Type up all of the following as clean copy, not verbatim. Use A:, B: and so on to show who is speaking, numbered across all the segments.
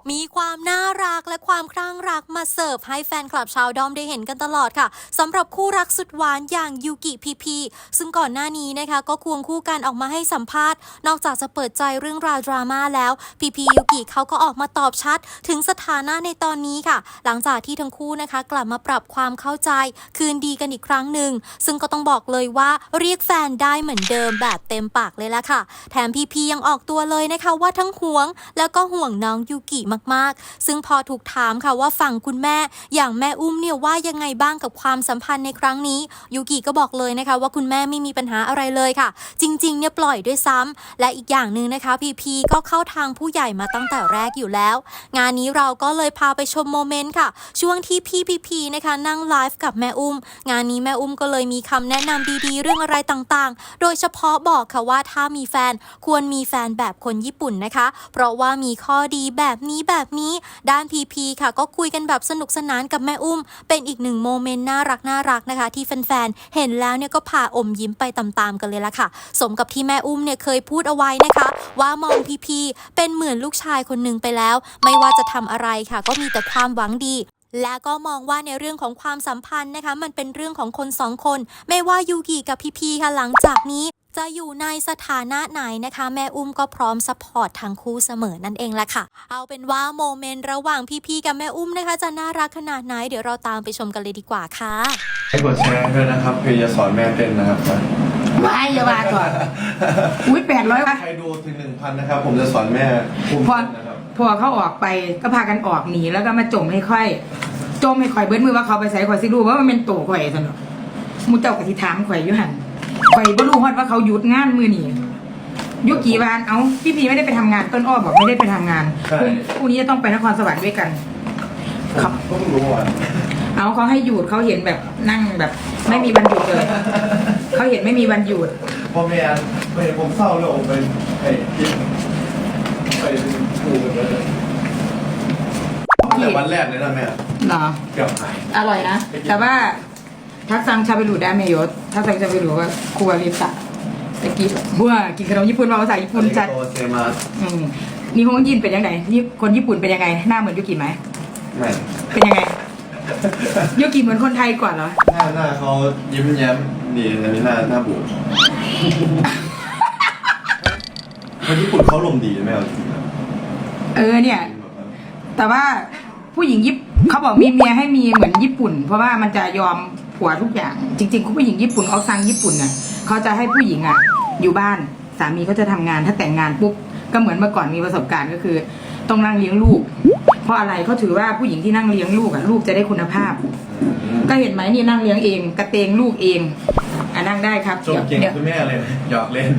A: มีความน่ารักและความคลั่งรักมาเสิร์ฟให้แฟนคลับชาวดอมได้เห็นกันตลอดค่ะสำหรับคู่รักสุดหวานอย่างยูกิพีซึ่งก่อนหน้านี้นะคะก็ควงคู่กันออกมาให้สัมภาษณ์นอกจากจะเปิดใจเรื่องราวดราม่าแล้วพียูกิเขาก็ออกมาตอบชัดถึงสถานะในตอนนี้ค่ะหลังจากที่ทั้งคู่นะคะกลับมาปรับความเข้าใจคืนดีกันอีกครั้งหนึ่งซึ่งก็ต้องบอกเลยว่าเรียกแฟนได้เหมือนเดิมแบบเต็มปากเลยละค่ะแถมพียังออกตัวเลยนะคะว่าทั้งห่วงแล้วก็ห่วงน้องยูกิมากๆซึ่งพอถูกถามค่ะว่าฝั่งคุณแม่อย่างแม่อุ้มเนี่ยว่ายังไงบ้างกับความสัมพันธ์ในครั้งนี้ยูกิก็บอกเลยนะคะว่าคุณแม่ไม่มีปัญหาอะไรเลยค่ะจริงๆเนี่ยปล่อยด้วยซ้ำและอีกอย่างหนึ่งนะคะพีก็เข้าทางผู้ใหญ่มาตั้งแต่แรกอยู่แล้วงานนี้เราก็เลยพาไปชมโมเมนต์ค่ะช่วงที่พี่พีนะคะนั่งไลฟ์กับแม่อุ้มงานนี้แม่อุ้มก็เลยมีคำแนะนำดีๆเรื่องอะไรต่างๆโดยเฉพาะบอกค่ะว่าถ้ามีแฟนควรมีแฟนแบบคนญี่ปุ่นนะคะเพราะว่ามีข้อดีแบบนี้ด้านพีค่ะก็คุยกันแบบสนุกสนานกับแม่อุ้มเป็นอีกหนึ่งโมเมนต์น่ารักนะคะที่แฟนๆเห็นแล้วเนี่ยก็พาอมยิ้มไปตามๆกันเลยละค่ะสมกับที่แม่อุ้มเนี่ยเคยพูดเอาไว้นะคะว่ามองพีเป็นเหมือนลูกชายคนหนึ่งไปแล้วไม่ว่าจะทำอะไรค่ะก็มีแต่ความหวังดีและก็มองว่าในเรื่องของความสัมพันธ์นะคะมันเป็นเรื่องของคนสองคนไม่ว่ายูกิกับพีค่ะหลังจากนี้จะอยู่ในสถานะไหนนะคะแม่อุ้มก็พร้อมซัพพอร์ตทั้งคู่เสมอนั่นเองแหละค่ะเอาเป็นว่าโมเมนต์ระหว่างพีกับแม่อุ้มนะคะจะน่ารักขนาดไหนเดี๋ยวเราตามไปชมกันเลยดีกว่าค่ะ
B: ให้กดแชร์ด้วยนะครับคือจะสอนแม่เต้นนะครับ
C: ว้ายอย่าว่าก่อนอุ้ย800วะ
B: ใครดูถึง 1,000 นะครับผมจะสอนแม่ภูมิต้นนะครับ
C: พอเขาออกไปก็พากันออกหนีแล้วก็มาจมให้ค่อยจมให้ข่อยเบิ้ลมือว่าเขาไปใส่ข่อยสิรู้ว่ามันเป็นโตข่อยสนุกมูเจ้ากะทิถามข่อยอยู่หันข่อยบ่รู้ฮอดว่าเขาหยุดงานมือนี่ยุกี่วันเอาพี่ไม่ได้ไปทำงานต้นอ้อบอกไม่ได้ไปทำงานพรุ่งนี้จะต้องไปนครสวรรค์ด้วยกัน
B: ครับก็เพิ่งรู้อ่ะ
C: เอาเขาให้หยุดเขาเห็นแบบนั่งแบบไม่มีวันหยุดเลยเขาเห็นไม่มีวันหยุด
B: พ่อแม่ไปผมเศร้าเลยผมไปคิดไปดูกันเลยแต่วันแรกเลยนะแม่
C: เหรอ
B: เกือบหาย
C: อร่อยนะแต่ว่าทักซังชาเปรูได้เมยศทักซังชาเปรูว่าครัวริตะตะกี้บัวกินขนมญี่ปุ่นมาภาษาญี่ปุ่นจัดนี่ฮงยินเป็นยังไงนี่คนญี่ปุ่นเป็นยังไงหน้าเหมือนยุกิไหม
B: ไม่
C: เป็นยังไงยุกิเหมือนคนไทยกว่าเหรอ
B: หน้าเขายิ้มแย้มดีอันนี้หน้าบูดคนญี่ปุ่นเขาลมดีไหมเอาจริง
C: เนี่ยแต่ว่าผู้หญิงเขาบอกมีเมียให้มีเหมือนญี่ปุ่นเพราะว่ามันจะยอมผัวทุกอย่างจริงๆผู้หญิงญี่ปุ่นออกซังญี่ปุ่นน่ะเขาจะให้ผู้หญิงอยู่บ้านสามีเขาจะทำงานถ้าแต่งงานปุ๊บก็เหมือนเมื่อก่อนมีประสบการณ์ก็คือต้องนั่งเลี้ยงลูกเพราะอะไรเขาถือว่าผู้หญิงที่นั่งเลี้ยงลูกลูกจะได้คุณภาพก็เห็นไหมนี่นั่งเลี้ยงเองกระเตงลูกเองนั่งได้ครับ
B: ชมเก่งคุณแม่เลยหยอกเล่น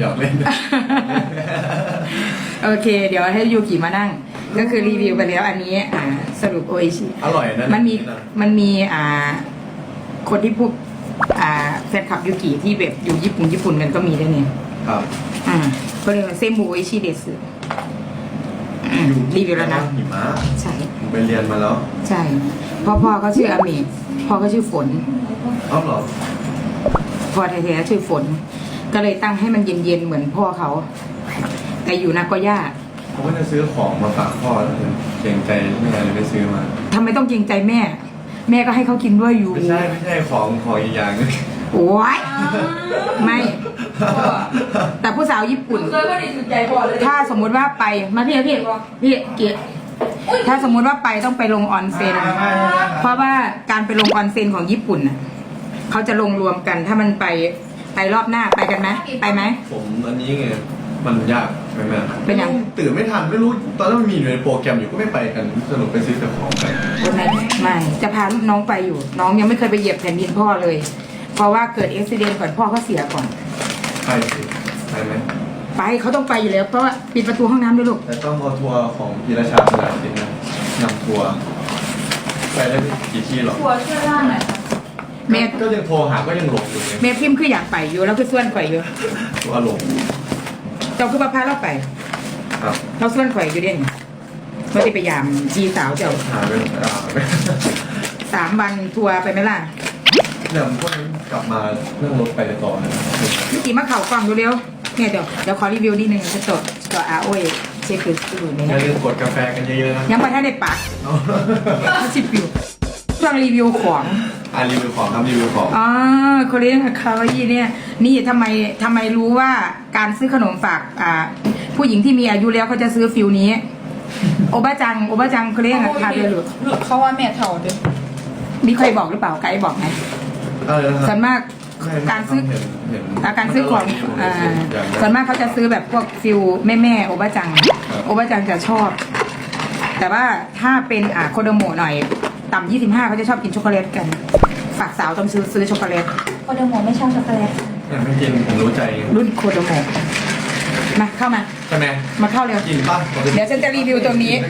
C: โอเคเดี๋ยวให้ยูกิมานั่งก็คือรีวิวไปแล้วอันนี้สรุปโออิชิ
B: อร่อยนะ
C: มันมีคนที่พวกแฟนคลับยูกิที่แบบอยู่ญี่ปุ่นกันก็มีด้วยเนี่ย
B: ครับ
C: ก็เรียกว่าเซมูโออิชิเดสรีวิวแล้วนะใช่
B: ไปเรียนมาแล้ว
C: ใช่พ่อเขาชื่ออาเมะพ่อเขาชื่อฝน
B: อ๋อเหรอ
C: พ่อแท้ๆชื่อฝนก็เลยตั้งให้มันเย็นๆเหมือนพ่อเขาแต่อยู่นาโกย่า
B: เขาก็จะซื้อของมาฝากพ่อแล้วเกรงใจแม่เลยไปซื้อมา
C: ทำไมต้องเกรงใจแม่ก็ให้เขากินด้วยอยู่
B: ไม่ใช่ของอีกอย่างนึง
C: โอ้ยไม่แต่ผู้สาวญี่ปุ่นถ้าสมมุติว่าไปมาพี่เกียรติถ้าสมมุติว่าไปต้องไปลงออนเซ็นเพราะว่าการไปลงออนเซ็นของญี่ปุ่นเขาจะลงรวมกันถ้ามันไปรอบหน้าไปกันไหมไปไหม
B: ผมอันนี้ไงมันยากใช่ไหม
C: เป็นยัง
B: ตื่นไม่ทันไม่รู้ตอนนั้นมันมีอยู่ในโปรแกรมอยู่ก็ไม่ไปกันสนุกไปซื้อของกัน
C: ไม่จะพาลูกน้องไปอยู่น้องยังไม่เคยไปเหยียบแผ่นดินพ่อเลยเพราะว่าเกิดอุบัติเหตุก่อนพ่อเขาเสียก่อน
B: ไปไหม
C: ไปเขาต้องไปอยู่แล้วเพราะว่าปิดประตูห้องน้ำด้วยลูก
B: แต่ต้องเอาทัวร์ของพีราชาพลาดินนะนำทัวร์ไปได้กี่ที่หรอ
C: ทัวร์ช่วยล่างหน่อย
B: แม่ก็ยังโทรหาก็ยังหลงอยู่
C: แม่พิมพ์คืออยากไปอยู่แล้วคือส่วนข่อยอยู่
B: ตัวหลง
C: เจ้าคือพาเราไปเราส่วนข่อยอยู่เด่นเราจะไปยามจีสาวเจ้า
B: หาไป
C: 3 วันทัวร์ไปไหมล่ะ
B: เดี๋ยวพวกนี้กลับมานั่งรถไปต่อนะ
C: พี่กี่มาเข่ากล่องดูเร็วเนี่ยเดี๋ยวขอรีวิวนิดนึงจะจดอาโอเอช็คดูใน
B: อย่าลืมกดกาแฟกันเยอะๆนะ
C: ยังไม่ทันได้ปากเขาสิบอยู่ช่วงรีวิวของ
B: รีวิวของครับรีวิวของ
C: อ๋อโคเรียนคาวาอี้เนี่ยนี่ทำไมรู้ว่าการซื้อขนมฝากผู้หญิงที่มีอายุแล้วเขาจะซื้อฟิลนี้โอบาจังโคเรียนคาเดลุ
D: เขาว่าแม่เถ่าเด้อ
C: มีใครบอกหรือเปล่าไกด์บอกไหมส่วนมากการซื้อของส่วนมากเขาจะซื้อแบบพวกฟิลแม่โอบาจังจะชอบ แต่ว่าถ้าเป็นโคโดโมะหน่อยต่ำ25เขาจะชอบกินช็อกโกแลตกันฝากสาวต้องซื้อช็อกโกแลต
D: โคเดโมไม่ชอบช็อกโกแลต
B: ไม่กินผมรู้ใจ
C: รุ่นโคโดโมะมาเข้ามา
B: ใช่ไหม
C: มาเข้าเร็ว
B: กินป่ะ
C: เดี๋ยวฉันจะรีวิวตัวนี้